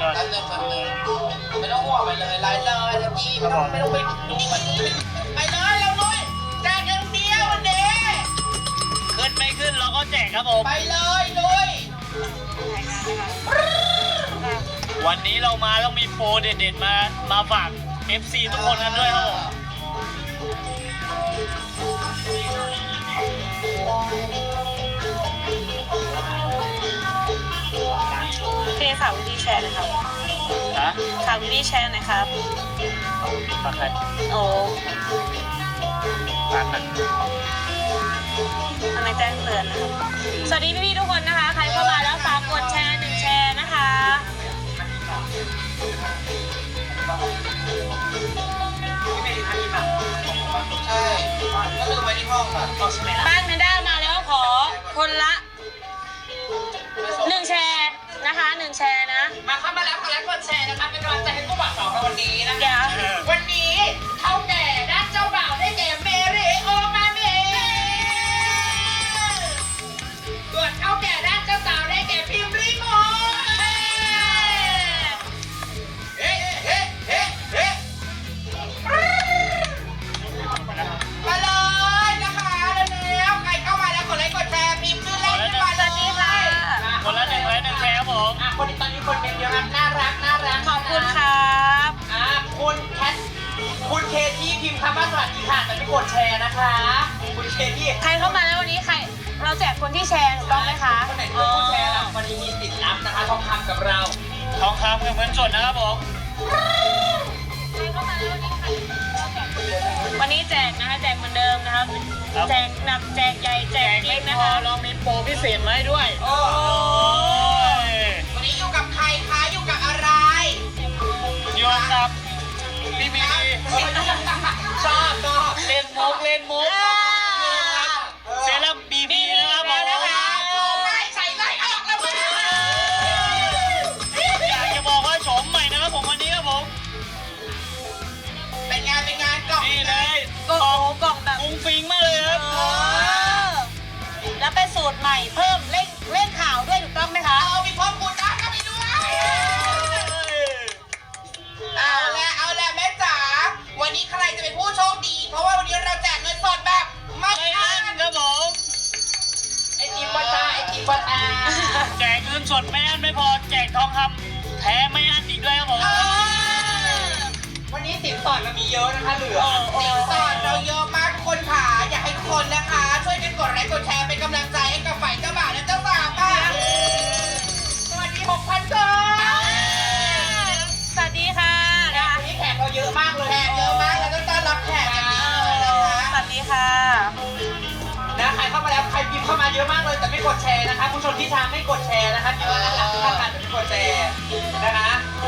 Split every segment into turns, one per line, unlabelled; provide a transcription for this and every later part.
แป๊บนึงไม่ต้องห่วงไปเลยไลฟ์เลยตะกี้ไม่ต้องไปดูมันไปเลยเราลุยแจกอย่างเดียววันนี้
ขึ้นไม่ขึ้นเราก็แจกครับผม
ไปเลยลุย
วันนี้เรามาต้องมีโปรเด็ดๆมาฝาก FC ทุกคนกันด้วยครับผม
เพย์ฝากวิธีแชร์นะครับฝากวิธีแชร์นะครับ
ฝากใคร
โอ้
ฝากนะ
ทำไมแจ้งเตือนนะครับสวัสดีพี่ๆทุกคนนะคะใครเข้ามาแล้วฝากกดแชร์1 แชร์นะคะ
ใช่ก็ลืมไว้ที่ห้องค่ะ
บ้านแพนด้ามาแล้วขอคนละ1 แชร์นะคะ1 แชร์นะ
มาเข้ามาแล้วกดไลค์กดแชร์นะคะเป็นกำลังใจให้ผู้บ่าวสาวในวันนี้นะ
เดี๋ยว
วันนี้เท่าแก่ด้านเจ้าบ่าวได้แก่เมริโอมาเมส่วนเท่าแก่ด้านเจ้าสาวได้แก่พิมพ์ริโมเฮ้เฮ้เฮ้เฮ้มาเลยนะคะแล้วใครเข้ามาแล้วกดไลค์กดแชร์พิมพ์ชื่อเล่นขึ้นมาเลย
คนละ1 ไลค์ 1 แชร์ครับผม
คนตอนนี้คนเป็นเยอะน่ารัก
ขอบคุณครับ
คุณแคทคุณเคที่พิมพ์คำว่าสวัสดีค่ะแต่ไม่กดแชร์นะคะคุณเคที่
ใครเข้ามาแล้ววันนี้ใครเราแจกคนที่แชร์ถูกต้องไหมคะ
คนไหนเป็นผู้แชร์แล้ววันนี้มีสิทธิ์รับนะคะทองคำกับเรา
ทองคำเงินสดนะครับผม
ใครเข้ามาแล้ววันนี้แจกนะคะแจกเหมือนเดิมนะครับแจกหนักแจกใหญ่แจกจริงนะคะ
เรามีโปรพิเศษมาให้ด้วย
วันนี้อยู่กับใครคะอยู่กับอะไร
อยู่กับพี่บี
ชอบ
เล่นมุกเซรั่มบีนะครับผม
ไม่ใส่ไล่ออกแล้วมั้ย
อยากจะบอกว่าโฉมใหม่นะครับผมวันนี้ครับผม
เป็นงานกล่อง
นี่เลย
กล่องแบบ
ฟุ้งฟิ้งมากเลยครับ
แล้วเป็นสูตรใหม่เพิ่มเล่นข่าวด้วยถูกต้องไหมคะ
มีพ่อปูด้าเข้าไปด้วยเอาละแม่จ๋าวันนี้ใครจะเป็นผู้โชคดีเพราะว่าวันนี้เราแจกเงินสดแบบไม่อั้น
ครับผม
ไอติมปะตา
แจกเงินสดไม่อั้นไม่พอแจกทองคำแท้ไม่อั้นอีกด้วยครับผม
วันนี้สินสอดเรามีเยอะนะคะเหลือสินสอดเราเยอะมากทุกคนค่ะอยากให้ทุกคนนะคะช่วยกันกดไลค์กดแชร์เป็นกำลังใจให้กับฝ่ายเจ้าบ่าวและเจ้าสาวค่ะสวัสดี 6,000 คน
สวัสดีค่ะ
วันนี้แขกเราเยอะมากเลยแขกเยอะมากแล้วก็ต้อนรับแขกกันดีเลยนะคะ
สวัสดีค่ะ
ใครเข้ามาแล้วใครพิมพ์เข้ามาเยอะมากเลยแต่ไม่กดแชร์นะคะผู้ชมที่ทางไม่กดแชร์นะคะพิมพ์มาหลังที่ทางการแต่ไม่กดแชร์นะคะ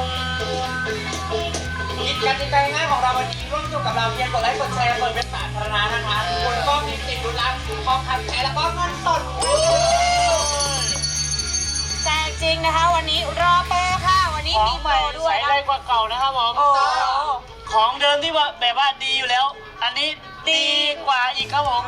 กติกาง่ายของเราวันนี้ร่วมสนุกกับเราเพียงกดไลค์กดแชร์เปิดเป็นสาธารณะนะคะคุณก็มีสิทธิ์ลุ้นรับทองคำแท้แล้วก็เงินสด
แจกจริงนะคะวันนี้รอโปรค่ะวันนี้มีโปรด้วย
ใช้ได้กว่าเก่านะครับผมของเดิมที่ว่าแบบว่าดีอยู่แล้วอันนี้ดีกว่าอีกครับผม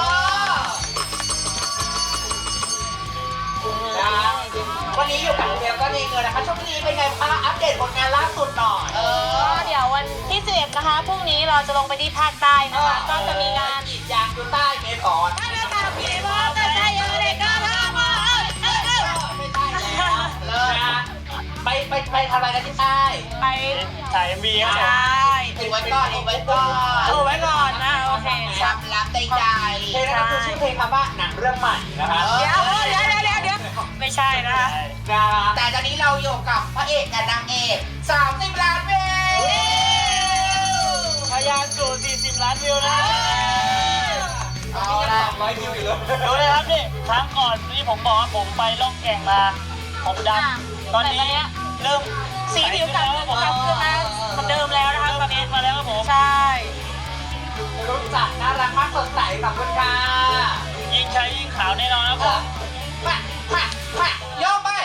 วันนี้อยู่กับเดียวก็ดีเงินนะคะช่วงนี้เป็นไงคะอัปเดตผลงานล่าสุดหน่อย
เดี๋ยววันที่11นะคะพรุ่งนี้เราจะลงไปที่ภาคใต้นะคะก็จะมีงาน
กรีดยางอยู่ใต้เมฆอน
ถ้าเราตามพี่ว่าก็ได้เยอะเลยก็ทำมา
ไม่ได้เลยไปทำอะไรกันที่ใต้
ไป
ถ่ายมีครับ
ใช่
เอาไว้ก่อน
นะโอเค
ความลับใดๆเพลงนั้นคือชื่อเพลงคำว่าหนังเรื่องใหม่นะคะ
เดี๋ยวไม่ใช่นะคะ
แต่ตอนนี้เราอยู่กับพระเอกกับนางเอก30 ล้านวิว
ทะยานสู่40 ล้านวิวนะ
เอาละ200 วิวอยู่เลย
ดูเลยครับนี่ครั้งก่อนที่ผมบอกว่าผมไปล่องแก่งมาผมดำตอนนี้เริ่ม
สีผิวกลับขึ้นมาเหมือนเดิมแล้วนะคะตอนนี้
มาแล้วครับผม
ใช่
รู้จักน่ารักมากสดใสกับคุณค่ะ
ยิ่งใช้ยิ่งขาวแน่นอนครับผม
มาโยกไป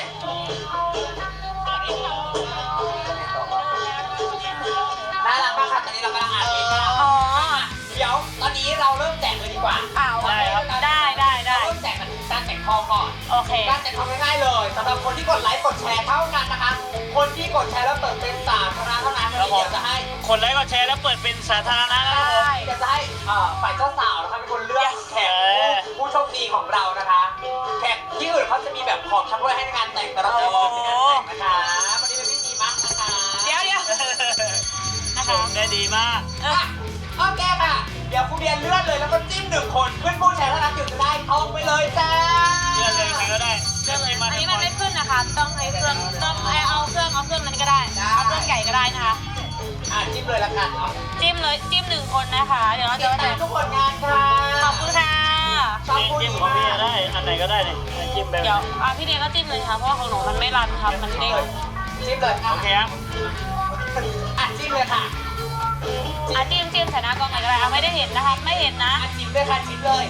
น่ารักมากค่ะตอนนี้เรากำลังอ่านเพลงกันเดี๋ยวตอนนี้เราเริ่มแจกเลยดีกว่า
ได้ครับได้
เริ่มแจกกันการแจกทองก่อน
โอเค
การแจกทองง่ายๆเลยสำหรับคนที่กดไลค์กดแชร์เท่านั้นนะคะคนที่กดแชร์แล้วเปิดเป็นสาธารณะเท่านั้น
ครับผม
เดี๋ยวจะให้
คนไลค์กดแชร์แล้วเปิดเป็นสาธารณะนะครับผม
เดี๋ยวจะให้ฝ่ายเจ้าสาวนะคะเป็นคนเลือกแขกผู้โชคดีของเรานะคะ แขกที่อื่นเขาจะมีแบบของชำร่วยให้ในงานแต่งแต่เราจะมีในงานแต่งนะคะวันนี้เป็นพิธีมั่นนะคะ
เดี๋ยวนะคะ
ได้ดีมาก
โอเคค่ะ เดี๋ยวครูเบียนเลื่อนเลยแล้วก็จิ้มหนึ่งคนขึ้นผู้แชร์เท่านั้นถึงจะได้ทองไปเลยจ้า
เลือกเลยใครก็ได้เลือกเลยมา
อัน
ทุ
นี้
ก
มัน
คน
ไม่ขึ้นนะคะ ต้องให้เครื่องต้องเอาเครื่องนั้นก็ได้ เอาเครื่องใหญ่ก็ได้นะคะ
จิ้มเลยละกัน
จิ้มเลยจิ้ม1 คนนะคะ เดี๋ยวเรา
ติ
จะ
ดตามทุกผลงานค่ะ
ขอบคุณค่ะ
ชอบพูด
จิ้ม
ดี
ของพี่
มาก
ได้อันไหนก็ได้เลยจิ้มแบบ
เดี๋ยวพี่เดียก็จิ้มเลยค่ะเพราะว่าของหนูมันไม่รันครับมันเด้ง
จิ้มเลย
โอเคครับ
จิ้มเลยค่ะ
จิ้มใส่หน้ากล้องเลยก็ได้เอาไม่ได้เห็นนะคะไม่เห็นนะ
จิ้มเลยค่ะจิ้มเลย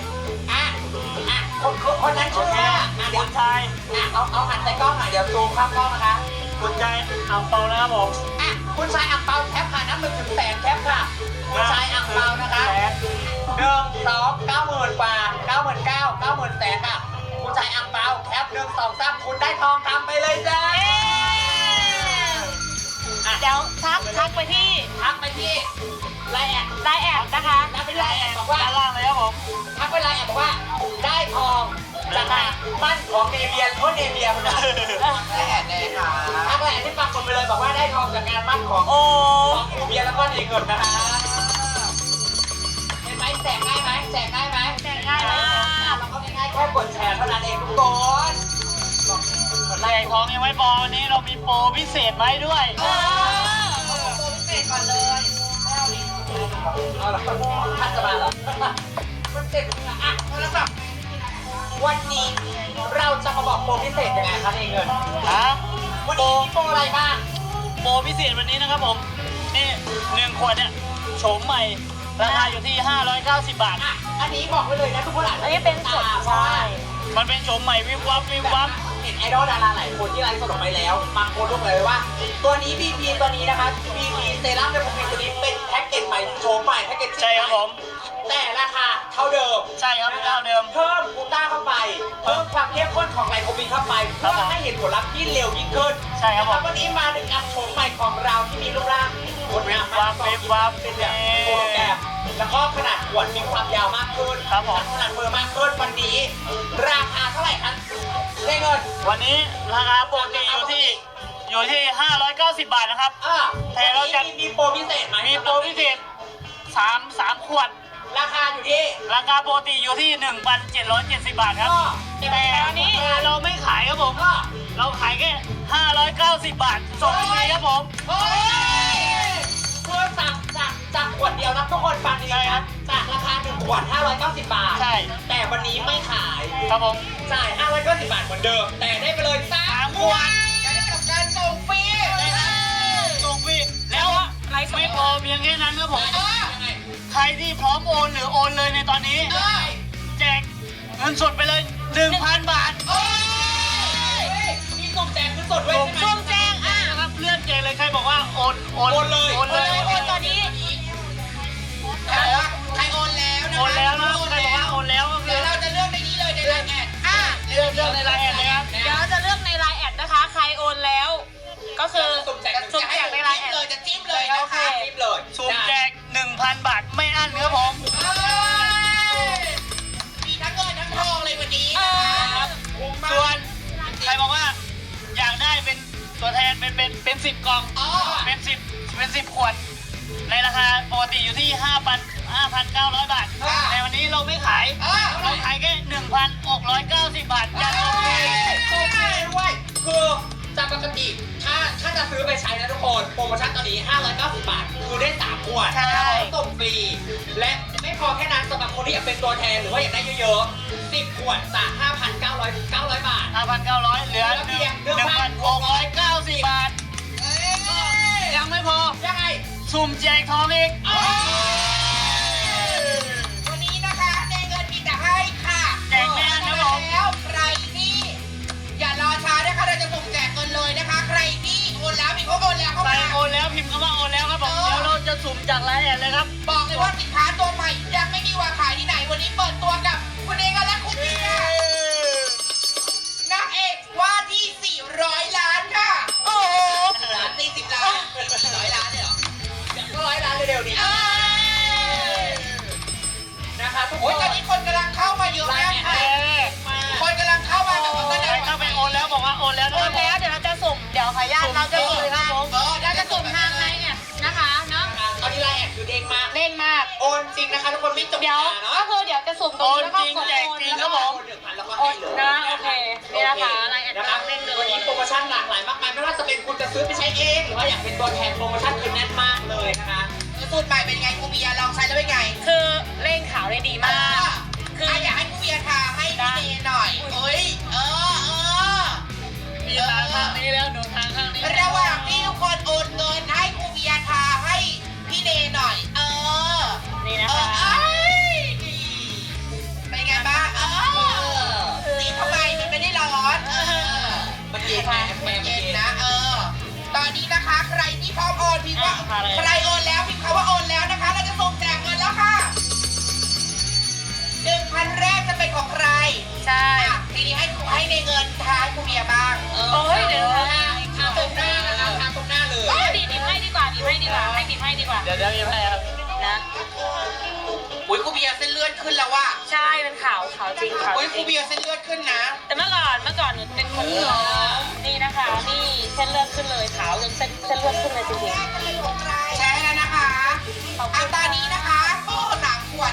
คนนั้นชื่อว่าเดี๋
คุ
ยว
ณชาย
เอาหันใส่กล้องหน่อยเดี๋ยวซูมข้ามกล้องนะคะ
คุณชายอังเปานะครับผม
คุณชายอังเปาแคปค่ะนับ1 ถึงแสนแคปค่ะคุณชายอังเปานะคะ
แสน
1 2 90,000 กว่า 99,000 90,000 แสนค่ะคุณชายอังเปาแคป1 2 3คุณได้ทองคำไปเลยจ้า
เดี๋ยวทักไปที่
ทักไปที่ไลน์แอด
ไลน์แอดนะคะ
ทักไปไลน์แอดบอกว่า
ด้านล่างเลยครับผม
ทักไปไลน์แอดบอกว่าได้ทองจากงานมั่นของเนเบียเนเบียคนนั้นไลน์แอดเลยค่ะทักไลน์แอดที่ปักหมุดไปเลยบอกว่าได้ทองจากงานมั่นของ
โอ้
เนเบียแล้วก็เนเงินนะคะเห็นไหมแจกง่ายไหมแจกง่ายไหม
แจกง่ายมาก
เราก็ง่ายๆแค่กดแชร์เท่านั้นเองทุกคน
แจกทองยังไม่พอวันนี้เรามีโปรพิเศษไว้ด้วย
ตัวพิเศษก่อนเลยเอาละท่านจะมาแล้วมันเสร็จอ่ะแล้วแบบวันนี้เราจะมาบอกโปรพิเศษยังไงคะเนเงิน
ฮะ
วันนี้มีโปรอะไรบ้าง
โปรพิเศษวันนี้นะครับผม นี่1 ขวดเนี่ยโฉมใหม่ ราคาอยู่ที่ 590 บาท
อันนี้บอกไว้เลยนะทุกคนอาจจะ
อันนี้เป็นสดใช่
มันเป็นโฉมใหม่วิบวับวิบวับ
เห็นไอดอลดาราหลายคนที่ไลฟ์สดออกไปแล้วบางคนรู้เลยว่า ตัวนี้ BP ตัวนี้นะคะ BP เซรั่มในผมตัวนี้เป็นแพ็กเกจใหม่โฉมใหม่แพ็กเกจ
ใช่ครับผม
แต่ราคาเท่าเดิม
ใช่ครับเท่าเดิม
เพิ่มกลูต้าเข้าไป เพิ่มความเข้มข้นของไลโคปีนเข้าไปเพื่อให้เห็นผลลัพธ์ที่เร็วยิ่งขึ้น
ใช่ครับผม
วันนี้มาดึงอัพโฉมใหม่ของเราที่มีรูปร่างงดงามมาก
วิบวับ
เป็นแบบโปรแกรมแล้วก็ขนาดขวดมีความยาวมากขึ้น
ครับผม
ขนาดมือมากขึ้นวันนี้ ราคาเท่าไหร่ครับได้เงิน
วันนี้ราคาปกติอยู่ที่ 590 บาทนะครับ แต่เราจะ
มีโปรพิเศษไหม
มีโปรพิเศษ3 ขวด
ราคาอยู่ที่
ราคาปกติอยู่ที่ 1,770 บาทครับ แต่วันนี้เราไม่ขายครับผม เราขายแค่ 590 บาทส่งฟรีครับผม
เฮ้ยเพื่อจากขวดเดียวนะทุกคนฟังดี
ใช่ครั
นะ
บ
จากราคา1 ขวด 590 บาท
ใช่
แต่วันนี้ไม่ขาย
ครับผม
จ่าย 590 บาทเหมือนเดิม แต่ได้ไปเลย3 ขวดและได้กับการส่งฟรี
ส่งฟรีแล้วไม่พอเพียงแค่นั้นครับผม
ยังไง
ใครที่พร้อมโอนหรือโอนเลยในตอนนี้ แจกเงินสดไปเลย 1,000 บาท
มีส่งแจกคือสดด้วยใช่ไหม
ช่วงแจ้ง
นะครับเลื่อนแจกเลยใครบอกว่าโอน
โอนเลย
โอนเลย
โอนตอนนี้
ใครโอนแล้วนะ
โอนแล้วนะใครบอกว่าโอนแล้วก็คื
เดี๋ย
อ
วเราจะเลือกในนี้เลยในไลน์แอด
เลือกในไลน์แอดเลยครับ
เดี๋ยวเราจะเลือกในไลน์แอดนะคะ ใครโอนแล้ว ก็คือ
สุ่มแจก
สุ่มแจกในไลน์แอด
เลยจะจิ้มเลยนะคะจิ้มเลย
สุ่มแจก 1,000 บาทไม่อั้นครับผม
มีทั้งเงินทั้งทองเลยวันนี้
ครับส่วนใครบอกว่าอยากได้เป็นตัวแทนเป็น10 กล่อง เป็น 10 ขวด ในราคาปกติอยู่ที่ 5,900 บาท แต่วันนี้เราไม่ขาย เราขายแค่ 1,690 บาทจากส่งฟรี
ด้วยคือจากปกติถ้าจะซื้อไปใช้นะทุกคนโปรโมชั่นตอนนี้ 590 บาท คือได้ 3 ขวด
ใช่
ส่งฟรี และไม่พอแค่นั้นสำหรับคนที่อยากเป็นตัวแทนหรือว่าอยากได้เยอะๆ 10 ขวดจาก 5,900 บาท
5,900 เหลือ 1,690 บาท ยังไม่พอ
ยังไง
สุ่มแจกทองอีก
วันนี้นะคะในเงินมีแต่ให้ค่ะ
แจกแน่นะผม
แล้วใครที่อย่ารอช้านะคะเราจะส่งแจกเงินเลยนะคะ ใครที่โอนแล้วมีเขาโอนแล้วเข้า
ใคร
มา
โอนแล้วพิมพ์คำว่าโอนแล้วครับผม เดี๋ยวเราจะสุ่มจากไลน์แอดเลยครับ
บอกเลยว่าสินค้าตัวใหม่ยังไม่มีวางขายที่ไหนวันนี้เปิดตัวกับคุณเองและคุณเบียร์นางเอกว่าที่ 400 ล้านค่ะ โอ้โหจริงนะคะทุกคนไม่จบ
เดี๋ยว
เนาะ
ก็คือเดี๋ยวจะสุ่มตรงนี้แล้วก็กด
แจก
โอน
จริง
แล้ว
ครั
ก็
บผม
1,000แล้วก็
โอ
ให้
น
เลย
นะโอเคนี่นะคะอะไรแอด
นะครับ
เล่นเลย
วันนี้โปรโมชั่นหลากหลายมากมายไม่ว่าจะเป็นคุณจะซื้อไปใช้เองหรือว่าอยากเป็นตัวแทนโปรโมชั่นคือแน่นมากเลยนะคะสูตรใหม่เป็นไงครูเบียร์ลองใช้แล้วเป็นไง
คือเร่งขาวได้ดีมาก
คืออยากให้ครูเบียร์ทาให้พี่เนหน่อยเอ้ย
มีทางข้างนี้แล้วหนูทางข้างนี้
ระหว่างที่ทุกคนโอนเงินให้ครูเบียร์ทาให้พี่เนหน่อย
นี่นะคะ
เป็นไงบ้างนี่ทำไมมันไม่ได้ร้อนมันเย็นมันเย็นนะตอนนี้นะคะใครที่พร้อมโอนพิมพ์ว่าใครโอนแล้วพิมพ์คำว่าโอนแล้วนะคะเราจะส่งแจกเงินแล้วค่ะ 1,000 แรกจะเป็นของใคร
ใช่
ทีนี้ให้ในเงินทายครูเบียร์บ้าง
โอ้ยเดี๋ยวนะ
ทาตรงหน้านะคะทาตรงหน้าเลย
บีบให้ดีกว่าบีบให้ดีกว่าให้บีบให้ดีกว่า
เดี๋ยวมีให้ครับ
นะ
อุ้ยครูเบียร์เส้นเลือดขึ้นแล้วว่ะ
ใช่เป็นขาวจริงขาว
อุ้ย
จ
ครู
ริง
เบียร์เส้นเลือดขึ้นนะ
แต่เมื่อก่อนหนูเป็นคนที่นี่นะคะนี่เส้นเลือดขึ้นเลยขาวจนเส้นเลือดขึ้นเลยจริง
แชร์แล้วนะคะตอนนี้นะคะโอ้3 ขวด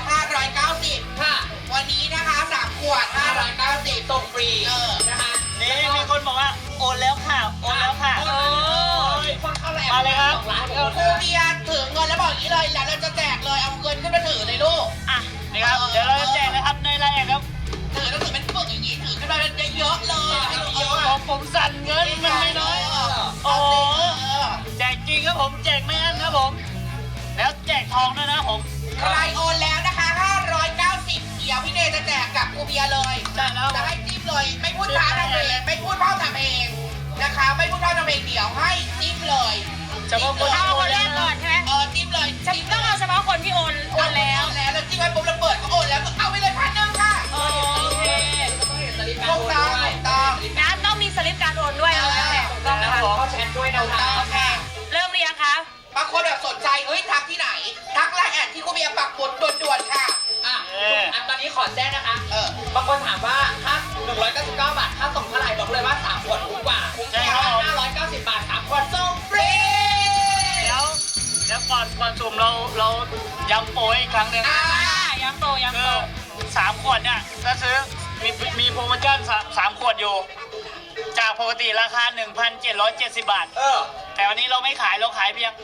590 ค่ะ วันนี้นะคะ3 ขวด 590ส่งฟรีนะคะ
นี่มีคนบอกว่าโอนแล้วค่ะโอนแล้วค่ะ
คนเข้าแหลม
มาเลยครับ
2 ล้านครูเบียร์ถือเงินแล้วบอกอย่างนี้เลยแล้วเราจะแจกเลยเอาเงินขึ้นมาถือเลยลูก
อ่ะ
นี่ครับเดี๋ยวเราจะแจกนะครับในไลน์แอดครับ
ถือต้องถือเป็นปึกอย่างนี้ถือขึ้นมาเยอะๆเลยให้ดูเยอะ
ผมสั่นเงินมันไม่น้อยโอ้โหแจกจริงครับผมแจกไม่อั้นครับผม แล้วแจกทองด้วยนะผม
ใครโอนแล้วนะคะ590เดี๋ยวพี่เนยจะแจกกับครูเบียร์เลย
ได้แล้ว
จะให้จิ้มเลยไม่พูดช้าทำเองไม่พูดพร่ำทำเองนะคะไม่พูดพร่ำทำเองเดี๋ยวให้จิ้มเลย
เฉพาะคน
เอาคนแรกก่อนใช่ไหม
จิ้มเลย
ต้องเอาเฉพาะคนที่โอนแล้ว
แล้วจิ้มไว้ปุ๊บแล้วเปิดก็โอนแล้วก็เอาไปเลย1,000ค่ะ
โอเค
ถูกต้องถูกต้อง
นะต้องมีสลิปการโอนด้วยเอาแล้วแหละต้อง
แล้ว
ค่ะ
ผมก็แชทด้วยนะคะค่ะ
เริ่มเรียงคะ
บางคนแบบสนใจเฮ้ยทักที่ไหน ทักไลน์แอดที่ครูเบียร์ปักหมุดด่วนๆค่ะตอนนี้ขอแจ้งนะคะบางคนถามว่าค่า199 บาทค่าส่งเท่าไหร่บอกเลยว่า3 ขวดคุ้มกว่าคุ้มแค่590 บาท3 ขวดส่งฟรี
เดี๋ยวก่อนสุ่มเราย้ำโปรอีกครั้งหนึ่ง
ย้ำโต
คือ3 ขวดเนี่ยถ้าซื้อมีโปรโมชั่น3 ขวดอยู่ จากปกติราคา 1,770 บาท แต่วันนี้เราไม่ขายเราขายเพียง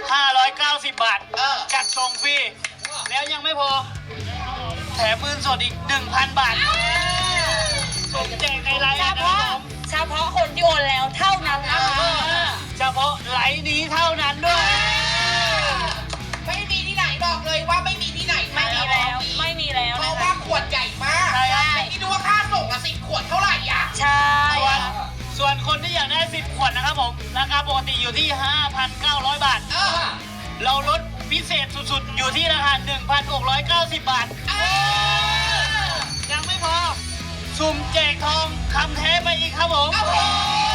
590 บาท จัดส่งฟรี แล้วยังไม่พอ แถมเงินสดอีก 1,000 บาท ส่งแจกในไลน์นะครับผม
เฉพาะคนที่โอนแล้วเท่านั้นนะคะ
เฉพาะไลน์นี้เท่านั้นด้วย
ไม่มีที่ไหนบอกเลยว่าไม่มีที่ไหน
ไม่มีแล้วไม่มีแล้ว
เพ
นะ
ราะ
คะ
ว่าขวดใหญ่มาก
ใช่ครับ
แต่ที่ดูว่าค่าส่งละ10 ขวดเท่าไหร่อ่ะ
ใช่
ส่วนคนที่อยากได้ 10 ขวดนะครับผม ราคาปกติอยู่ที่ 5,900 บาท เราลดพิเศษสุดๆ อยู่ที่ราคา 1,690 บาท ยังไม่พอ สุ่มแจกทองคำแท้ไปอีกครับผม
โอ้โห